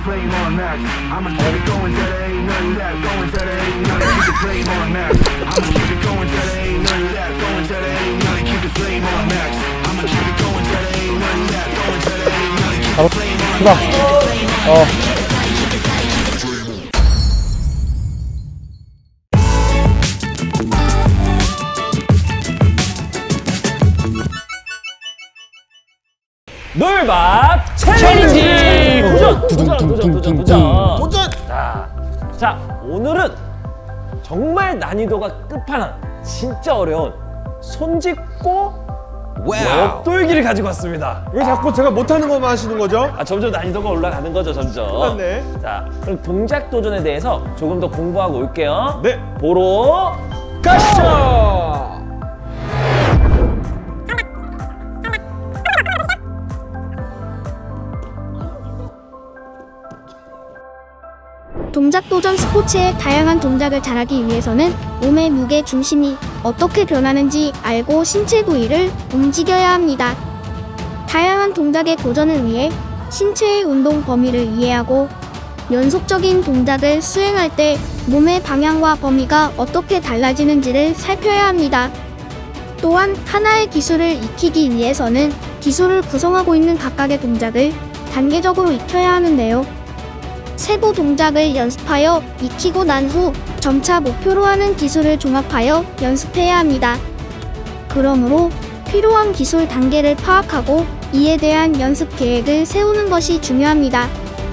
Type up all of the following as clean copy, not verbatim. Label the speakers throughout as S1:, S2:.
S1: flame on max. I'ma keep it going till there ain't none left. Going till there ain't none. Keep the flame on max. I'ma keep it going till there ain't none left. Going till there ain't none. Keep the flame on max. I'ma keep it going till there ain't none left. Going till there ain't none. Keep the flame on max.
S2: 놀밥 챌린지! 도전! 자, 오늘은 정말 난이도가 끝판왕, 진짜 어려운 손짓고 옆돌기를 가지고 왔습니다.
S3: 왜 자꾸 제가 못하는 것만 하시는 거죠?
S2: 점점 난이도가 올라가는 거죠, 점점.
S3: 네.
S2: 자, 그럼 동작 도전에 대해서 조금 더 공부하고 올게요.
S3: 네.
S2: 보러
S3: 가시죠!
S4: 동작 도전 스포츠의 다양한 동작을 잘하기 위해서는 몸의 무게 중심이 어떻게 변하는지 알고 신체 부위를 움직여야 합니다. 다양한 동작의 도전을 위해 신체의 운동 범위를 이해하고 연속적인 동작을 수행할 때 몸의 방향과 범위가 어떻게 달라지는지를 살펴야 합니다. 또한 하나의 기술을 익히기 위해서는 기술을 구성하고 있는 각각의 동작을 단계적으로 익혀야 하는데요. 세부 동작을 연습하여 익히고 난 후 점차 목표로 하는 기술을 종합하여 연습해야 합니다. 그러므로 필요한 기술 단계를 파악하고 이에 대한 연습 계획을 세우는 것이 중요합니다.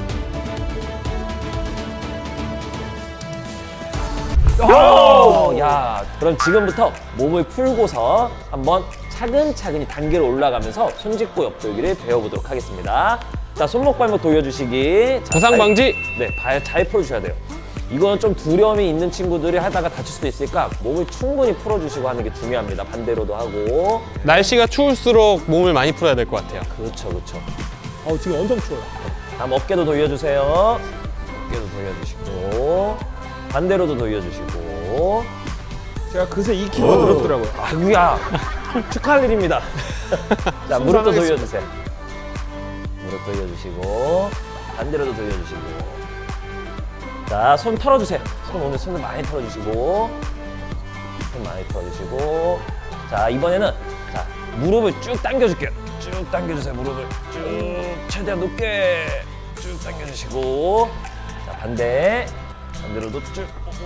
S2: 야, 그럼 지금부터 몸을 풀고서 한번 차근차근히 단계로 올라가면서 손짓고 옆돌기를 배워보도록 하겠습니다. 자, 손목 발목 돌려주시기. 자,
S5: 부상 방지.
S2: 네, 발 잘 풀어주셔야 돼요. 이건 좀 두려움이 있는 친구들이 하다가 다칠 수도 있으니까 몸을 충분히 풀어주시고 하는 게 중요합니다. 반대로도 하고.
S5: 날씨가 추울수록 몸을 많이 풀어야 될 것 같아요.
S2: 그렇죠, 그렇죠.
S3: 지금 엄청 추워요.
S2: 다음 어깨도 돌려주세요. 어깨도 돌려주시고 반대로도 돌려주시고.
S3: 제가 그새 2kg 늘었더라고요.
S2: 아구야, 축하할 일입니다. 자, 무릎도 돌려주세요. 무릎 돌려주시고 반대로도 돌려주시고. 자, 손 털어주세요. 오늘 손을 많이 털어주시고, 손 많이 털어주시고. 자, 이번에는 자, 무릎을 쭉 당겨줄게요. 쭉 당겨주세요. 무릎을 쭉 최대한 높게 쭉 당겨주시고. 자, 반대로도 쭉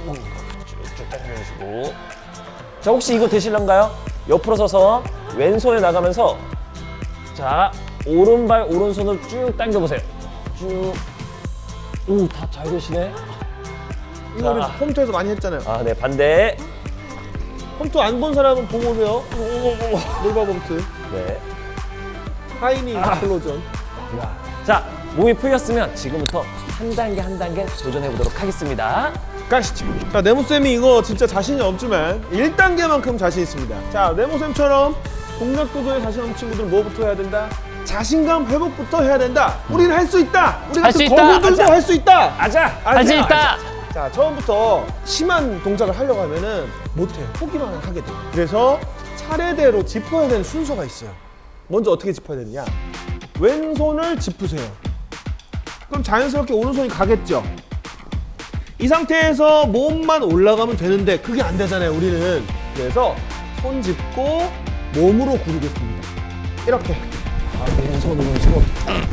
S2: 당겨주시고. 자, 혹시 이거 되실런가요? 옆으로 서서 왼손에 나가면서, 자, 오른발 오른손을 쭉 당겨보세요. 쭉. 오, 다 잘 되시네.
S3: 이거 우리
S2: 자.
S3: 홈트에서 많이 했잖아요.
S2: 네, 반대.
S3: 홈트 안 본 사람은 보고 오세요. 놀밥 홈트.
S2: 네.
S3: 하이니 클로전.
S2: 자, 몸이 풀렸으면 지금부터 한 단계 한 단계 도전해 보도록 하겠습니다.
S3: 가시죠. 자, 네모쌤이 이거 진짜 자신이 없지만 1단계만큼 자신 있습니다. 자, 네모쌤처럼 동작 도전에 자신 없는 친구들 뭐부터 해야 된다? 자신감 회복부터 해야 된다. 우리는 할 수 있다. 우리
S5: 할수
S3: 같은
S5: 있다.
S3: 거구들도 할 수 있다.
S2: 아자!
S5: 할 수 있다.
S3: 자, 처음부터 심한 동작을 하려고 하면은 못해요. 포기만 하게 돼요. 그래서 차례대로 짚어야 되는 순서가 있어요. 먼저 어떻게 짚어야 되느냐? 왼손을 짚으세요. 그럼 자연스럽게 오른손이 가겠죠? 이 상태에서 몸만 올라가면 되는데 그게 안 되잖아요, 우리는. 그래서 손 짚고 몸으로 구르겠습니다. 이렇게. 왼손, 오른손.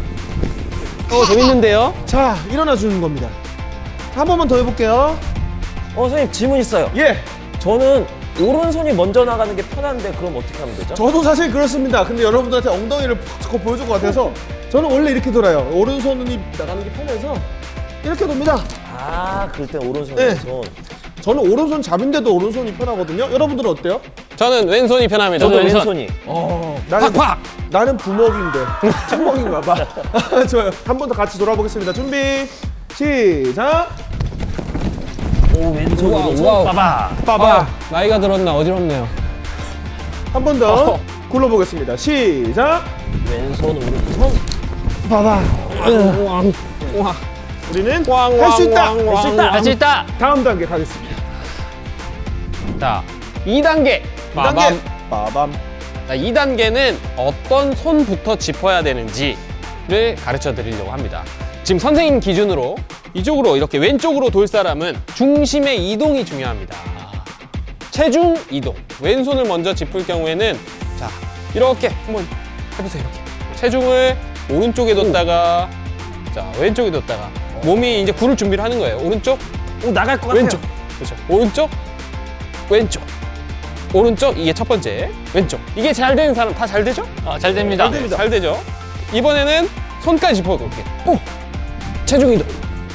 S5: 재밌는데요?
S3: 자, 일어나 주는 겁니다. 한 번만 더 해볼게요.
S2: 선생님, 질문 있어요.
S3: 예.
S2: 저는 오른손이 먼저 나가는 게 편한데 그럼 어떻게 하면 되죠?
S3: 저도 사실 그렇습니다. 근데 여러분들한테 엉덩이를 푹 보여줄 것 같아서 저는 원래 이렇게 돌아요. 오른손이 나가는 게 편해서 이렇게 돕니다.
S2: 그럴 땐 오른손,
S3: 네.
S2: 왼손.
S3: 저는 오른손 잡인데도 오른손이 편하거든요. 여러분들은 어때요?
S5: 저는 왼손이 편합니다.
S2: 저도 왼손이.
S3: 나는,
S5: 팍팍!
S3: 나는 부먹인데 책먹인가 봐. 좋아요. 한 번 더 같이 돌아보겠습니다. 준비, 시작.
S2: 오, 왼손,
S5: 우와,
S2: 오른손.
S5: 우와.
S2: 빠바.
S3: 빠바.
S5: 나이가 들었나 어지럽네요.
S3: 한 번 더 굴러보겠습니다. 시작.
S2: 왼손, 오른손.
S3: 빠바.
S5: 우와.
S3: 우리는 할 수 있다.
S2: 할 수 있다.
S5: 할 수 있다.
S3: 다음 단계 가겠습니다.
S5: 자, 2단계.
S3: 2단계. 빠밤.
S5: 자, 2단계는 어떤 손부터 짚어야 되는지를 가르쳐 드리려고 합니다. 지금 선생님 기준으로 이쪽으로 이렇게 왼쪽으로 돌 사람은 중심의 이동이 중요합니다. 체중 이동. 왼손을 먼저 짚을 경우에는 자, 이렇게 한번 해보세요. 이렇게. 체중을 오른쪽에 뒀다가 자, 왼쪽에 뒀다가 몸이 이제 구를 준비를 하는 거예요. 오른쪽,
S2: 오, 나갈 것 같아요.
S5: 왼쪽. 그렇죠. 오른쪽, 왼쪽. 오른쪽, 이게 첫 번째. 왼쪽. 이게 잘 되는 사람 다 잘 되죠?
S6: 잘 됩니다.
S5: 네, 잘 되죠. 이번에는 손까지 짚어놓을게요. 오! 체중 이동.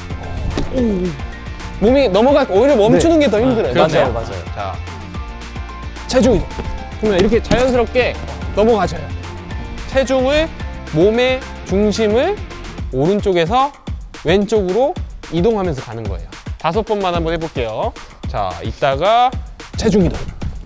S5: 오. 몸이 넘어갈 오히려 멈추는 게 더 힘들어요.
S6: 그렇죠.
S2: 맞아요, 맞아요.
S5: 자, 체중 이동. 그러면 이렇게 자연스럽게 넘어가져요. 체중을 몸의 중심을 오른쪽에서 왼쪽으로 이동하면서 가는 거예요. 5번만 한번 해볼게요. 자, 이따가 체중 이동.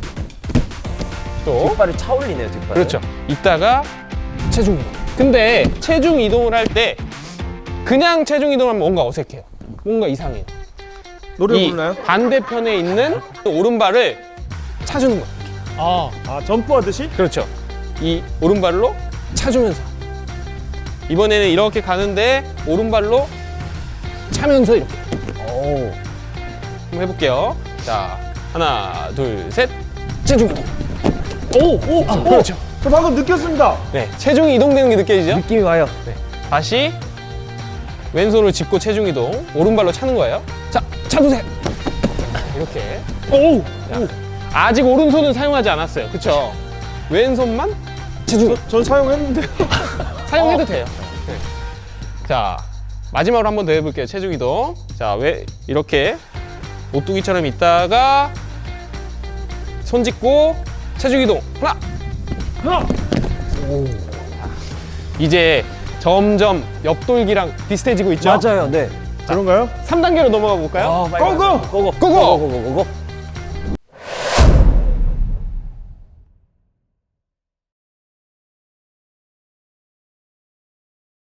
S5: 또
S2: 뒷발이 차올리네요, 뒷발.
S5: 그렇죠. 이따가 체중 이동. 근데 체중 이동을 할 때 그냥 체중 이동하면 뭔가 어색해요. 뭔가 이상해요.
S3: 노래
S5: 이
S3: 부르나요?
S5: 반대편에 있는 오른발을 차주는 거예요.
S3: 아, 점프하듯이?
S5: 그렇죠. 이 오른발로 차주면서. 이번에는 이렇게 가는데 오른발로 차면서 이렇게.
S2: 오.
S5: 한번 해볼게요. 자, 하나, 둘, 셋. 체중 이동. 오, 그렇죠.
S3: 저 방금 느꼈습니다.
S5: 네, 체중이 이동되는 게 느껴지죠?
S2: 느낌이 와요.
S5: 네. 다시 왼손을 짚고 체중 이동. 오른발로 차는 거예요. 자, 차두세요. 이렇게. 오! 아직 오른손은 사용하지 않았어요. 그쵸? 왼손만 체중
S3: 전 사용했는데.
S5: 사용해도 돼요. 네. 자, 마지막으로 한 번 더 해볼게요. 체중 이동. 자, 왜 이렇게 오뚜기처럼 있다가 손 짚고 체중 이동. 하나. 오. 이제 점점 옆돌기랑 비슷해지고 있죠?
S2: 맞아요, 네.
S3: 그런가요?
S5: 3단계로 넘어가 볼까요?
S2: 빨리
S3: 고고!
S2: 고고!
S5: 고고!
S2: 고고!